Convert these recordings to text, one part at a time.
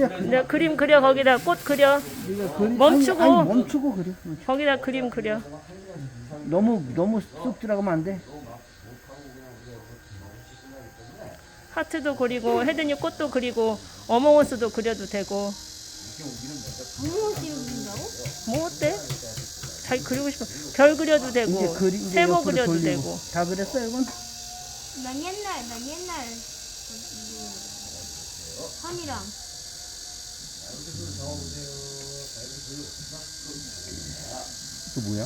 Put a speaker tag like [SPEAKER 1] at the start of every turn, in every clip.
[SPEAKER 1] 내 그림 그려. 거기다 꽃 그려. 멈추고.
[SPEAKER 2] 아니, 멈추고 그래.
[SPEAKER 1] 거기다 그림 그려.
[SPEAKER 2] 너무 쑥 들어가면 안 돼.
[SPEAKER 1] 하트도 그리고 헤드니 꽃도 그리고 어몽어스도 그려도 되고.
[SPEAKER 3] 어몽어스를 그린다고?
[SPEAKER 1] 뭐 어때? 자기 그리고 싶어. 별 그려도 되고
[SPEAKER 2] 이제
[SPEAKER 1] 세모
[SPEAKER 2] 옆으로
[SPEAKER 1] 그려도
[SPEAKER 2] 돌리고.
[SPEAKER 1] 되고.
[SPEAKER 2] 다 그랬어 이건?
[SPEAKER 3] 난 옛날 선이랑
[SPEAKER 2] 그 뭐야?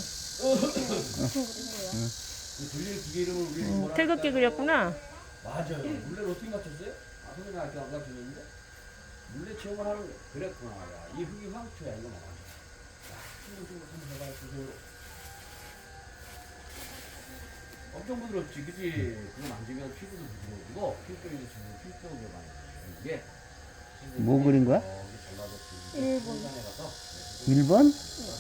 [SPEAKER 1] 태극기 그렸구나.
[SPEAKER 4] 맞아요. 물레를 어떻게 맞췄어요? 아, 선생님 아직 안 맞췄는데? 물레 체험을 하는 거 그랬구나. 야, 이 흙이 황토야, 이거 맞아. 자, 한번 해봐주세요. 엄청 부드럽지, 그치? 그거 만지면 피부도 부드러워지고, 필적이도 지금 필적으로 많이 나와요. 이게.
[SPEAKER 2] 뭐 그린 거야?
[SPEAKER 3] 일본.
[SPEAKER 2] 1번?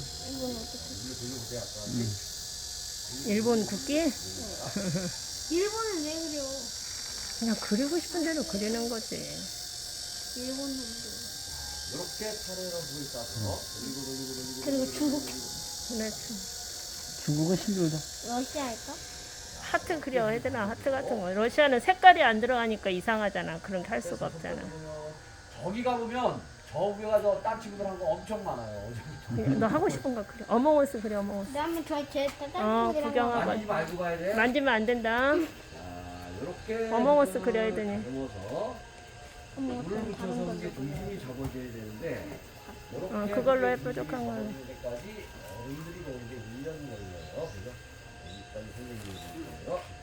[SPEAKER 1] 일본 국기?
[SPEAKER 3] 일본은 왜 그려?
[SPEAKER 1] 그냥 그리고 싶은 대로 그리는 거지.
[SPEAKER 3] 일본은
[SPEAKER 4] 이렇게 차례로 불을 따서 돌리고.
[SPEAKER 3] 그리고 중국
[SPEAKER 1] 그래.
[SPEAKER 2] 중국은 힘들다.
[SPEAKER 3] 러시아 할까?
[SPEAKER 1] 하트 그려. 얘들아 하트 같은 거. 러시아는 색깔이 안 들어가니까 이상하잖아. 그런 게 할 수가 없잖아.
[SPEAKER 4] 저기 가보면, 저 위에 가서 딴 친구들 한 거 엄청 많아요.
[SPEAKER 1] 너 하고 싶은 거 그려. 어몽어스 그려. 어몽어스.
[SPEAKER 3] 나 한번 제
[SPEAKER 1] 구경하고.
[SPEAKER 4] 만지지 말고 가야 돼.
[SPEAKER 1] 만지면 안 된다.
[SPEAKER 4] 자, 이렇게
[SPEAKER 1] 어몽어스 그려야 되니.
[SPEAKER 4] 다듬어서 물을 묻혀서 이게 중심이 접어져야 되는데 이렇게
[SPEAKER 1] 그걸로 해, 뾰족한 거.
[SPEAKER 4] 때까지 어른들이 배우는데 1년 걸려요. 그죠? 여기까지 선생님이 배우는 거예요.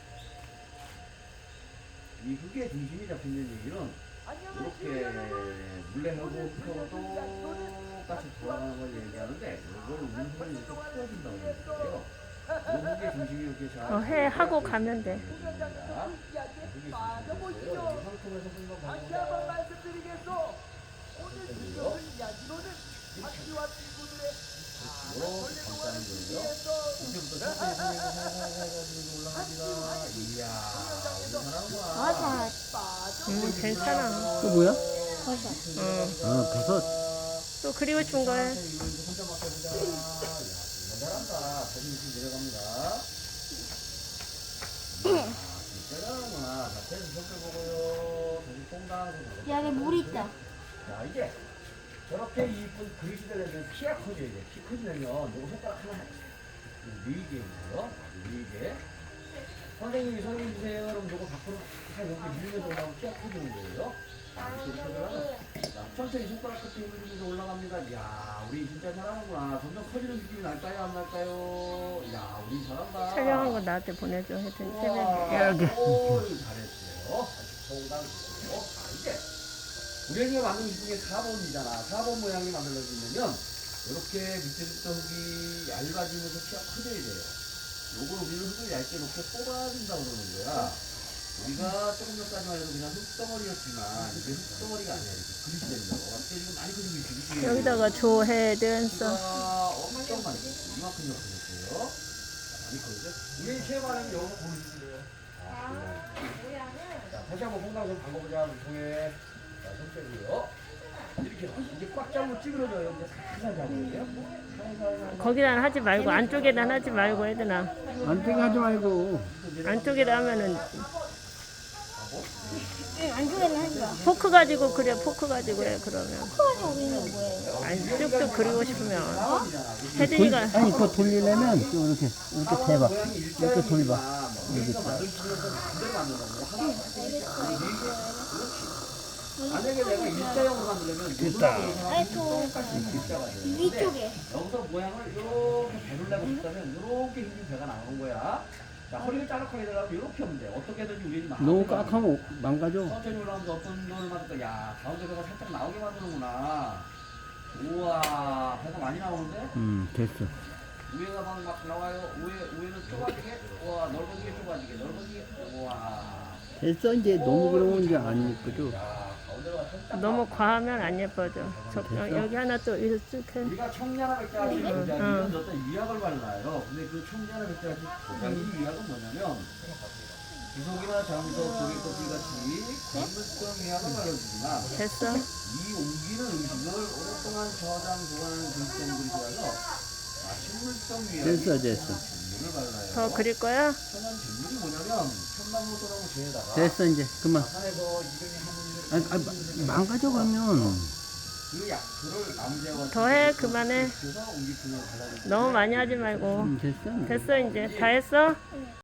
[SPEAKER 4] 이 흙의 중심이 잡힌다는 얘기는 이렇게 물레하고 흙하고 똑같이 돌아가는 걸 얘기하는데 이걸 운동을 이렇게 풀어준다고 하는데요. 이 흙의 중심이 이렇게 잘
[SPEAKER 1] 해 하고 가면 돼.
[SPEAKER 5] 다시 한번 말씀드리겠소. 오늘 주요 이야기로는 학교와 친구들의
[SPEAKER 4] 이렇게 감싸는 거예요. 이때부터 천천히 해가지고 올라갑니다. 이야, 우리 사람아.
[SPEAKER 1] 괜찮아.
[SPEAKER 2] 또 뭐야?
[SPEAKER 3] 버섯.
[SPEAKER 2] 아, 버섯.
[SPEAKER 1] 또 그리고 싶은 거 해.
[SPEAKER 4] 이거 이제 혼자 맡겨보자. 야, 정말 잘한다. 자존심 내려갑니다. 진짜 잘하는구나. 자, 패스 손을 보고요. 다시 퐁당.
[SPEAKER 3] 야, 여기 물 있다.
[SPEAKER 4] 자, 이제 저렇게 이쁜 그릇이 되려면 키가 커져야 돼. 키 커지려면 요거 손가락 하나 밀게 있고요. 밀게. 선생님이 설명 주세요. 그럼 요거 밖으로 다 이렇게 밀면서 올라가면 키가 커지는 거예요. 자, 천천히 손가락 끝에 힘을 주면서 올라갑니다. 이야, 우리 진짜 잘하는구나. 점점 커지는 느낌이 날까요? 안 날까요? 이야, 우리 잘한다.
[SPEAKER 1] 촬영한 거 나한테 보내줘. 하여튼 새벽에.
[SPEAKER 2] 여기.
[SPEAKER 4] 오, 잘했어요. 아주 정당. 자, 이제 우리가 만든 이 중에 4번이잖아. 4번 모양이 만들어지려면 이렇게 밑에부터 흙이 얇아지면서 키가 커져야 돼요. 요걸 우리는 흙을 얇게 놓게 뽑아준다고 그러는 거야. 우리가 조금 전까지만 해도 그냥 흙덩어리였지만 이제 흙덩어리가 아니야. 이렇게 그릇이 된다고. 어때? 지금 많이 그리고 있지, 그치?
[SPEAKER 1] 여기다가 조해든서.
[SPEAKER 4] 엄청 많이 그렸어요. 이만큼 그렸어요. 많이 그렸죠? 우리 체험하려면 여기서 보여주세요. 자, 다시 한번 홍당선 담궈보자. 통에. 자, 손 빼고요. 이렇게 이제 꽉 잡고 찌그러져요. 이제 살살 잡아야 돼요. 살살.
[SPEAKER 1] 거기다 하지 말고 안쪽에다 하지 말고 얘들아.
[SPEAKER 2] 안되게 하지 말고.
[SPEAKER 1] 안쪽에다 하면은
[SPEAKER 3] 응, 안쪽에는 하지 마.
[SPEAKER 1] 포크 가지고 그래. 포크 가지고 해. 그러면.
[SPEAKER 3] 코가 우리는 뭐예요?
[SPEAKER 1] 아니 쭉쭉 그리고 싶으면 혜진이가
[SPEAKER 2] 아니, 그거 돌리려면 또 이렇게 대봐.
[SPEAKER 4] 모양이
[SPEAKER 2] 이렇게 돌봐.
[SPEAKER 4] 우리가 만들어주면서 반대로 만든다고. 만약에 내가 일자형으로 만들려면
[SPEAKER 2] 됐다.
[SPEAKER 4] 똑같이 일자가 돼요. 근데
[SPEAKER 3] 위쪽에.
[SPEAKER 4] 여기서 모양을 이렇게 배를 내고 싶다면 이렇게 힘준 배가 나오는 거야. 자, 허리를 짜락하게 되려면 이렇게 하면 돼. 어떻게든지 우리는
[SPEAKER 2] 너무 깍하면 망가져.
[SPEAKER 4] 천천히 올라오면서 어떤 놈을 맞을까? 야, 가운데 배가 살짝 나오게 만드는구나. 우와, 배가 많이 나오는데?
[SPEAKER 2] 됐어.
[SPEAKER 4] 위에가 막 나와요. 위에는 좁아지게. 우와, 넓어지게 좁아지게. 넓어지게. 우와.
[SPEAKER 2] 됐어, 이제 너무 그러면 이제 안 예쁘죠.
[SPEAKER 4] 야, 가운데가 살짝
[SPEAKER 1] 너무 과하면 안 예뻐져. 여기 하나 또 이렇게 쭉 해.
[SPEAKER 4] 우리가 청량한 백자지 이건 어떤 위약을 발라요. 근데 그 청량한 백자지 이 위약은 뭐냐면 구속이나 장석, 조개껍질 같이 건물성 위하고 말려주지만
[SPEAKER 1] 됐어.
[SPEAKER 4] 이 옮기는 음식을 오랫동안 저장 보관하는 글성 그릇이라서 식물성 위하고
[SPEAKER 2] 됐어.
[SPEAKER 4] 물을 발라요.
[SPEAKER 1] 더 그릴 거야?
[SPEAKER 4] 천연 빗물이 뭐냐면 편나무 소나무 재에다가
[SPEAKER 2] 됐어 이제 그만.
[SPEAKER 4] 산에서 이름이 하는
[SPEAKER 2] 망가져 그러면.
[SPEAKER 4] 그 약초를 남자와
[SPEAKER 1] 더해, 그만해.
[SPEAKER 4] 그래서 옮기품을 발라주고
[SPEAKER 1] 너무 많이 하지 말고.
[SPEAKER 2] 됐어.
[SPEAKER 1] 됐어, 이제. 다 했어?